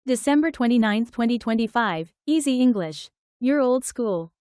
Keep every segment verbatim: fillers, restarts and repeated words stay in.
December twenty-ninth, twenty twenty-five, Easy English. You're old school.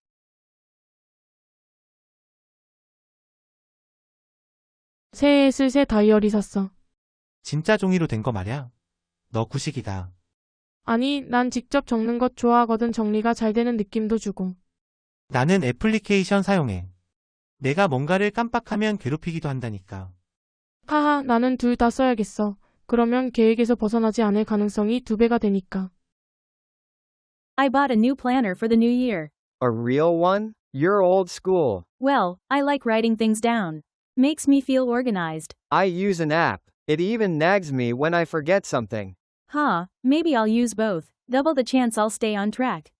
새해에 쓸 새 다이어리 샀어. 진짜 종이로 된 거 말야? 너 구식이다. 아니, 난 직접 적는 것 좋아하거든. 정리가 잘 되는 느낌도 주고. 나는 애플리케이션 사용해. 내가 뭔가를 깜빡하면 괴롭히기도 한다니까. 하하, 나는 둘 다 써야겠어. 그러면 계획에서 벗어나지 않을 가능성이 두 배가 되니까. I bought a new planner for the new year. A real one? You're old school. Well, I like writing things down. Makes me feel organized. I use an app. It even nags me when I forget something. Huh, maybe I'll use both. Double the chance I'll stay on track.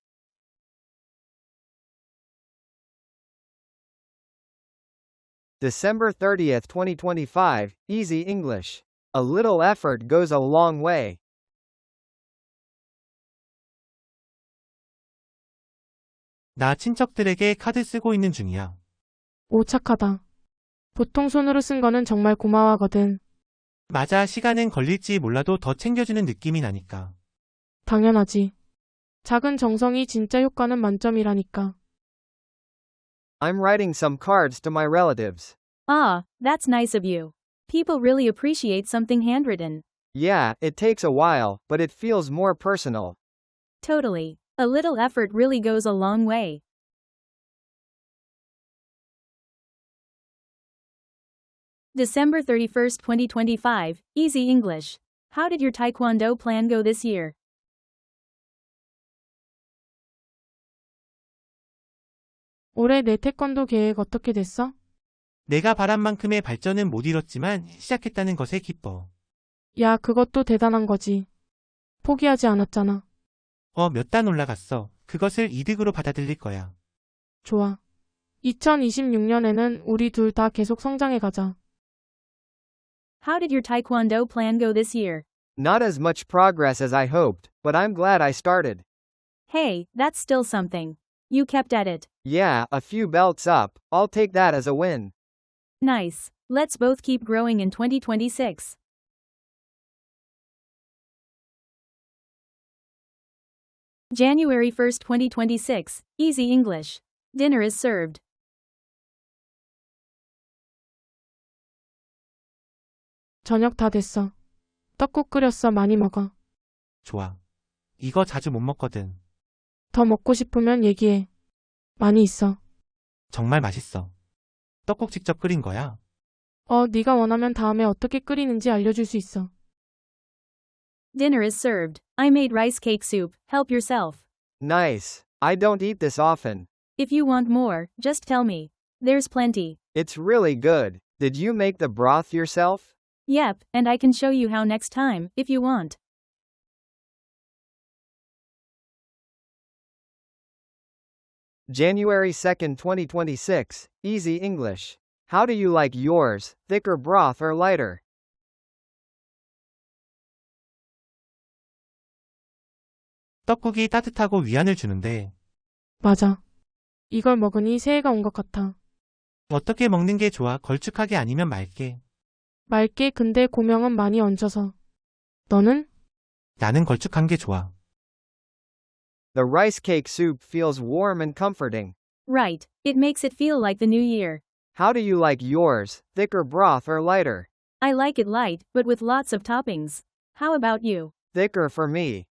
December thirtieth, twenty twenty-five, Easy English. A little effort goes a long way. 나 친척들에게 카드 쓰고 있는 중이야. 오, 착하다. 보통 손으로 쓴 거는 정말 고마워하거든. 맞아, 시간은 걸릴지 몰라도 더 챙겨주는 느낌이 나니까. 당연하지. 작은 정성이 진짜 효과는 만점이라니까. I'm writing some cards to my relatives. Ah, that's nice of you. People really appreciate something handwritten. Yeah, it takes a while, but it feels more personal. Totally. A little effort really goes a long way. December thirty-first, twenty twenty-five, Easy English. How did your Taekwondo plan go this year? 올해 내 태권도 계획 어떻게 됐어? 내가 바란 만큼의 발전은 못 이뤘지만 시작했다는 것에 기뻐. 야, 그것도 대단한 거지. 포기하지 않았잖아. 어, 몇 단 올라갔어. 그것을 이득으로 받아들일 거야. 좋아. 이천이십육 년에는 우리 둘 다 계속 성장해 가자. How did your Taekwondo plan go this year? Not as much progress as I hoped, but I'm glad I started. Hey, that's still something. You kept at it. Yeah, a few belts up. I'll take that as a win. Nice. Let's both keep growing in twenty twenty-six. January first, twenty twenty-six, Easy English. Dinner is served. 저녁 다 됐어. 떡국 끓였어. 많이 먹어. 좋아. 이거 자주 못 먹거든. 더 먹고 싶으면 얘기해. 많이 있어. 정말 맛있어. 떡국 직접 끓인 거야? 어, 네가 원하면 다음에 어떻게 끓이는지 알려줄 수 있어. Dinner is served. I made rice cake soup. Help yourself. Nice. I don't eat this often. If you want more, just tell me. There's plenty. It's really good. Did you make the broth yourself? Yep, and I can show you how next time, if you want. January second, twenty twenty-six, Easy English. How do you like yours, thicker broth or lighter? 떡국이 따뜻하고 위안을 주는데 맞아. 이걸 먹으니 새해가 온 것 같아. 어떻게 먹는 게 좋아? 걸쭉하게 아니면 맑게? 맑게. 근데 고명은 많이 얹어서. 너는? 나는 걸쭉한 게 좋아. The rice cake soup feels warm and comforting. Right, it makes it feel like the new year. How do you like yours, thicker broth or lighter? I like it light, but with lots of toppings. How about you? Thicker for me.